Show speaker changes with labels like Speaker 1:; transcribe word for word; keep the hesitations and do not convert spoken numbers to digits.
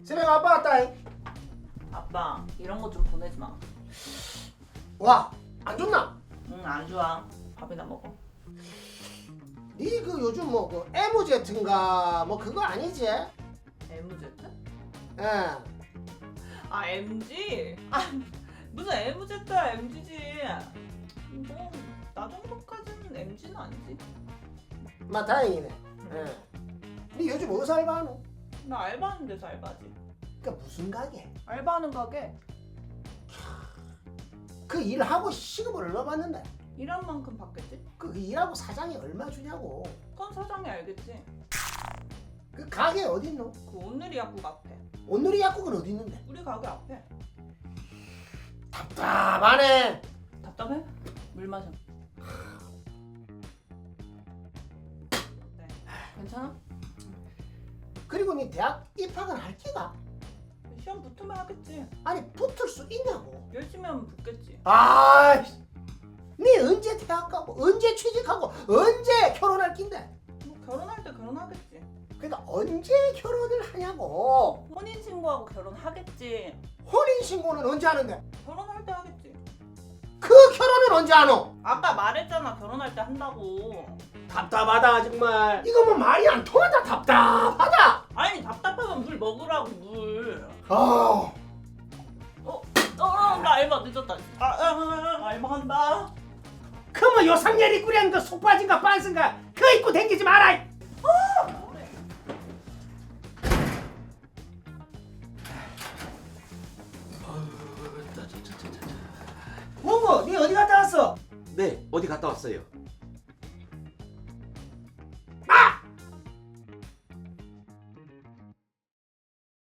Speaker 1: 새벽 아빠 왔다잉.
Speaker 2: 아빠 이런 거 좀 보내지 마.
Speaker 1: 와, 안 좋나?
Speaker 2: 응 안 좋아. 밥이나 먹어.
Speaker 1: 니 그 요즘 뭐 그 엠오제트인가 뭐 그거 아니지?
Speaker 2: 엠제트?
Speaker 1: 예.
Speaker 2: 아 엠지? 아 무슨 엠제트야 엠지지. 뭐 나 정도까지는 엠지는 아니지.
Speaker 1: 마 다행이네. 예. 니 요즘 어디서 알바하노?
Speaker 2: 나 알바하는 데서 알바지.
Speaker 1: 그니까 무슨 가게?
Speaker 2: 알바하는 가게.
Speaker 1: 그 일하고 시급을 얼마 받는데?
Speaker 2: 일한 만큼 받겠지?
Speaker 1: 그 일하고 사장이 얼마 주냐고.
Speaker 2: 그건 사장이 알겠지.
Speaker 1: 그 가게 어디 있노?
Speaker 2: 그 오늘이 약국 앞에.
Speaker 1: 온누리 약국은 어디 있는데?
Speaker 2: 우리 가게 앞에.
Speaker 1: 답답하네.
Speaker 2: 답답해? 물 마셔. 네. 괜찮아?
Speaker 1: 그리고 니 대학 입학은 할 기가?
Speaker 2: 시험 붙으면 하겠지.
Speaker 1: 아니 붙을 수 있냐고.
Speaker 2: 열심히 하면 붙겠지.
Speaker 1: 아, 니 언제 대학 가고 언제 취직하고 언제 결혼할 낀데?
Speaker 2: 뭐 결혼할 때 결혼하겠지.
Speaker 1: 그러니까 언제 결혼을 하냐고.
Speaker 2: 혼인 신고하고 결혼하겠지.
Speaker 1: 혼인 신고는 언제 하는데?
Speaker 2: 결혼할 때 하겠지.
Speaker 1: 그 결혼은 언제 하노?
Speaker 2: 아까 말했잖아 결혼할 때 한다고.
Speaker 1: 답답하다 정말. 이거 뭐 말이 안 통한다. 답답하다.
Speaker 2: 아니 답답하면 물 먹으라고 물.
Speaker 1: 아,
Speaker 2: 어, 어, 나 알바 늦었다. 아, 아, 아 알바 한다.
Speaker 1: 그뭐 요상렬이 꾸려는 그 속바지인가 빤스인가 그거 입고 댕기지 마라. 뭐고? 니 어디 갔다 왔어?
Speaker 3: 네, 어디 갔다 왔어요?